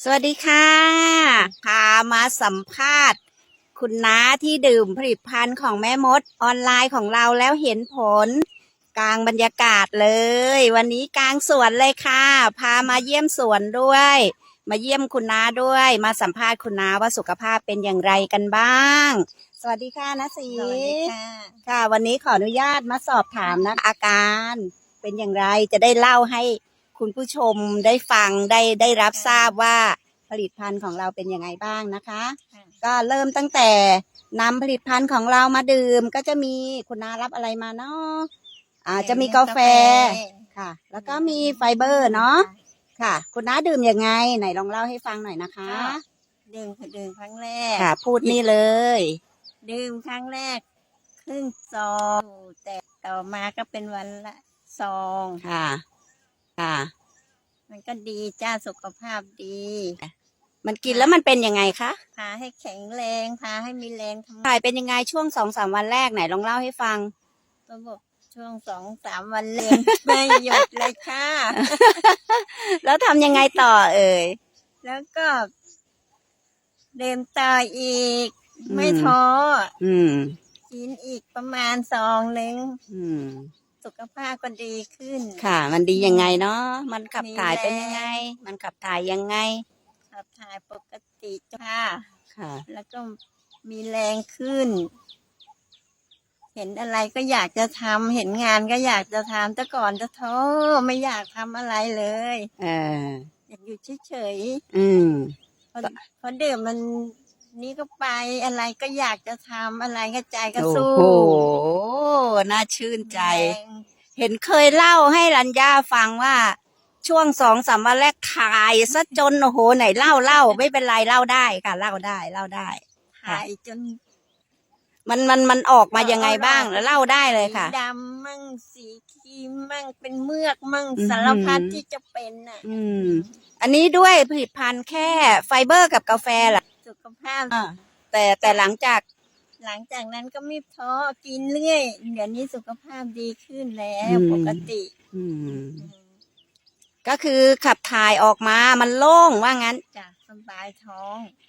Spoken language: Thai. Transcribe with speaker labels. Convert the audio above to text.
Speaker 1: วัสดีค่ะพามาสัมภาษณ์คุณน้าที่ดื่มผลิตภัณฑ์ของแม่มดออนไลน์ของเราแล้วเห็นผลกลางบรรยากาศเลย วันนี้กลางสวนเลยค่ะพามาเยี่ยมสวนด้วย มาเยี่ยมคุณน้าด้วย มาสัมภาษณ์คุณน้าว่าสุขภาพเป็นอย่างไรกันบ้าง สวัสดีค่ะนะศรี
Speaker 2: สวัสดีค่ะ
Speaker 1: ค่ะ วันนี้ขออนุญาตมาสอบถามนะอาการเป็นอย่างไรจะได้เล่าให้คุณผู้ชมได้ฟังได้รับทราบว่าผลิตภัณฑ์ของเราเป็นยังไงบ้างนะคะ ก็เริ่มตั้งแต่นำผลิตภัณฑ์ของเรามาดื่มก็จะมีคุณน้ารับอะไรมาเนาะจะมีกาแฟค่ะ แล้วก็มีไฟเบอร์เนาะค่ะ คุณน้าดื่มยังไงไหนลองเล่าให้ฟังหน่อยนะคะ
Speaker 2: ดื่มครั้งแรก
Speaker 1: ค่ะ พูดนี่เลย
Speaker 2: ดื่มครั้งแรกครึ่งซองแต่ต่อมาก็เป็นวันละซอง
Speaker 1: ค่ะค่ะ
Speaker 2: มันก็ดีจ้าสุขภาพดี
Speaker 1: มันกินแล้วมันเป็นยังไงคะ
Speaker 2: พาให้แข็งแรงพาให้มีแรงทำ
Speaker 1: ถ่ายเป็นยังไงช่วง2-3 วันแรกไหนลองเล่าให้ฟัง
Speaker 2: ระบบช่วง2-3 วันแรง ไม่หยุดเลยค่ะ
Speaker 1: แล้วทำยังไงต่อเอ่ย
Speaker 2: แล้วก็ดื่มต่ออีกไม่ท้อกินอีกประมาณซองนึงสุขภาพก็ดีขึ้น
Speaker 1: ค่ะมันดียังไงเนาะมันขับถ่ายเป็นยังไงมันขับถ่ายยังไง
Speaker 2: ขับถ่ายปกติค่ะ
Speaker 1: ค่ะ
Speaker 2: แล้วก็มีแรงขึ้นเห็นอะไรก็อยากจะทำเห็นงานก็อยากจะทำแต่ก่อนจะท้อไม่อยากทำอะไรเลยอยากอยู่เฉยๆพอดื่มมันนี่ก็ไปอะไรก็อยากจะทำอะไรก็ใจก็สู้
Speaker 1: โอ้โหน่าชื่นใจเห็นเคยเล่าให้รัญญาฟังว่าช่วง2-3 วันแรกถ่ายซะจนโอ้โหไหนเล่าไม่เป็นไรเล่าได้ค่ะเล่าได้
Speaker 2: ถ่ายจน
Speaker 1: มันออกมายังไงบ้างแล้วเล่าได้เลยค่ะ
Speaker 2: ดำมั่งสีครีมมั่งเป็นเมือกมั่งสารพัดที่จะเป็นน่ะ
Speaker 1: อันนี้ด้วยผลิตภัณฑ์แค่ไฟเบอร์กับกาแฟแหละ
Speaker 2: สุขภาพ
Speaker 1: แต่หลังจาก
Speaker 2: นั้นก็ไม่ท้อกินเรื่อยเดี๋ยวนี้สุขภาพดีขึ้นแล้วปกติ
Speaker 1: ก็คือขับถ่ายออกมามันโล่งว่างั้น
Speaker 2: จ้ะสบายท้อง